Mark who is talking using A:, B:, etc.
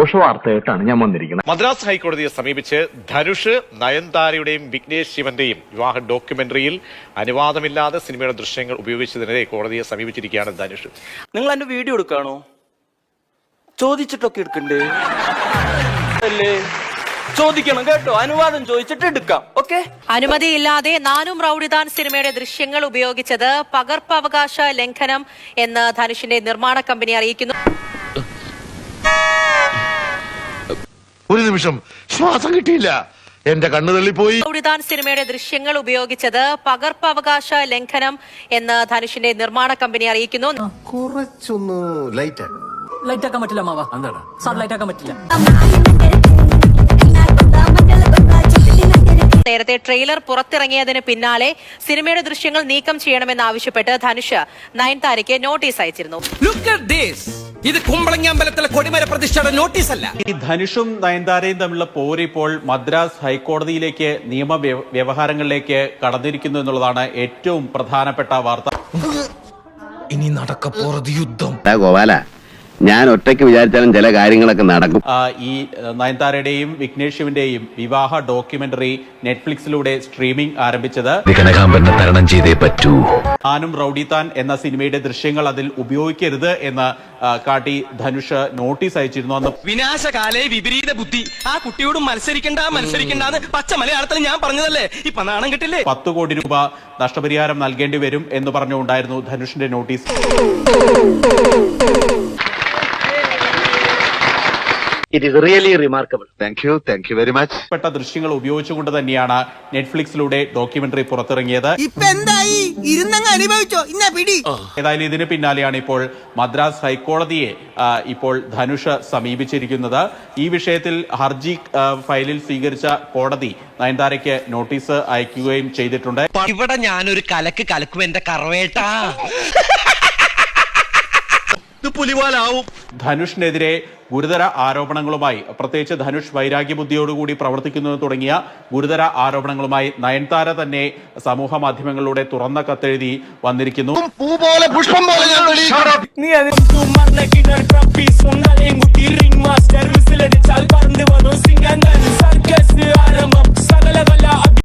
A: ദോഷവാർത്തയായിട്ടാണ് ഞാൻ വന്നിരിക്കുന്നത്.
B: മദ്രാസ് ഹൈക്കോടതിയെ സമീപിച്ച് ധനുഷ്, നയൻതാരയുടെയും വിഘ്നേഷ് ശിവന്റെയും വിവാഹ ഡോക്യുമെന്ററിയിൽ അനുവാദമില്ലാതെ സിനിമയുടെ ദൃശ്യങ്ങൾ ഉപയോഗിച്ചതിനെതിരെ കോടതിയെ സമീപിച്ചിരിക്കുകയാണ് ധനുഷ്.
C: നിങ്ങൾ എന്റെ വീഡിയോ എടുക്കാണോ? ചോദിച്ചിട്ടൊക്കെ എടുക്കണ്ടേ? ചോദിക്കണം കേട്ടോ, അനുവാദം ചോദിച്ചിട്ട് എടുക്കാം. ഓക്കെ.
D: അനുമതിയില്ലാതെ നാനും റൌഡിദാൻ സിനിമയുടെ ദൃശ്യങ്ങൾ ഉപയോഗിച്ചത് പകർപ്പവകാശ ലംഘനം എന്ന് ധനുഷിന്റെ നിർമ്മാണ കമ്പനി അറിയിക്കുന്നു.
E: ഒരു നിമിഷം ശ്വാസം കിട്ടിയില്ല, എന്റെ കണ്ണു തള്ളിപ്പോയി.
D: റൌഡിദാൻ സിനിമയുടെ ദൃശ്യങ്ങൾ ഉപയോഗിച്ചത് പകർപ്പവകാശ ലംഘനം എന്ന് ധനുഷിന്റെ നിർമ്മാണ കമ്പനി അറിയിക്കുന്നു.
F: കുറച്ചൊന്ന് ലൈറ്റ് ആക്കാൻ പറ്റില്ല മാവാ. എന്താണ് സാർ ലൈറ്റ് ആക്കാൻ പറ്റില്ല?
D: നേരത്തെ ട്രെയിലർ പുറത്തിറങ്ങിയതിന് പിന്നാലെ സിനിമയുടെ ദൃശ്യങ്ങൾ നീക്കം ചെയ്യണമെന്നാവശ്യപ്പെട്ട് ധനുഷ് നയൻതാരയ്ക്ക് നോട്ടീസ് അയച്ചിരുന്നു.
G: ഇത് കുമ്പളങ്ങാമ്പലത്തിലെ കൊടിമര പ്രതിഷ്ഠയുടെ നോട്ടീസ് അല്ല.
H: ഈ ധനുഷും നയൻതാരയും തമ്മിലുള്ള പോര് ഇപ്പോൾ മദ്രാസ് ഹൈക്കോടതിയിലേക്ക് നിയമ വ്യവഹാരങ്ങളിലേക്ക് കടന്നിരിക്കുന്നു എന്നുള്ളതാണ് ഏറ്റവും പ്രധാനപ്പെട്ട വാർത്ത.
G: ഇനി നടക്കപ്പോറത് യുദ്ധം.
I: ഗോപാല, ഞാൻ ഒറ്റയ്ക്ക് വിചാരിച്ചാലും ചില കാര്യങ്ങളൊക്കെ നടക്കും.
H: ഈ നയൻതാരയുടെയും വിഘ്നേഷ് ശിവന്റെയും വിവാഹ ഡോക്യുമെന്ററി നെറ്റ്ഫ്ലിക്സിലൂടെ സ്ട്രീമിംഗ് ആരംഭിച്ചത്
I: തരണം ചെയ്തേ പറ്റൂ.
H: നാനും റൌഡിദാൻ എന്ന സിനിമയുടെ ദൃശ്യങ്ങൾ അതിൽ ഉപയോഗിക്കരുത് എന്ന് കാട്ടി ധനുഷ് നോട്ടീസ് അയച്ചിരുന്നു. അന്ന്
G: വിനാശകാലേ വിപരീത ബുദ്ധി. ആ കുട്ടിയോട് മത്സരിക്കണ്ടെന്ന് പച്ച മലയാളത്തിൽ ഞാൻ പറഞ്ഞതല്ലേ? ഇപ്പൊ നാണം കിട്ടില്ലേ?
H: 10 കോടി രൂപ നഷ്ടപരിഹാരം നൽകേണ്ടി വരും എന്ന് പറഞ്ഞുകൊണ്ടായിരുന്നു ധനുഷിന്റെ notice.
A: It is really remarkable.
E: Thank you very much.
H: പ്പെട്ട ദൃശ്യങ്ങൾ ഉപയോഗിച്ചുകൊണ്ട് തന്നെയാണ് നെറ്റ്ഫ്ലിക്സിലൂടെ ഡോക്യുമെന്ററി പുറത്തിറങ്ങിയത്. ഏതായാലും ഇതിന് പിന്നാലെയാണ് ഇപ്പോൾ മദ്രാസ് ഹൈക്കോടതിയെ ഇപ്പോൾ ധനുഷ് സമീപിച്ചിരിക്കുന്നത്. ഈ വിഷയത്തിൽ ഹർജി ഫയലിൽ സ്വീകരിച്ച കോടതി നയൻതാരയ്ക്ക് നോട്ടീസ് അയക്കുകയും ചെയ്തിട്ടുണ്ട്.
G: ഇവിടെ ഞാനൊരു കലക്കും എന്റെ കറവേട്ടാ.
H: ധനുഷിനെതിരെ ഗുരുതര ആരോപണങ്ങളുമായി, പ്രത്യേകിച്ച് ധനുഷ് വൈരാഗ്യബുദ്ധിയോടുകൂടി പ്രവർത്തിക്കുന്നു തുടങ്ങിയ ഗുരുതര ആരോപണങ്ങളുമായി നയൻതാര തന്നെ സമൂഹ മാധ്യമങ്ങളിലൂടെ തുറന്ന കത്തെഴുതി വന്നിരിക്കുന്നു.
E: പൂ പോലെ പുഷ്പം പോലെ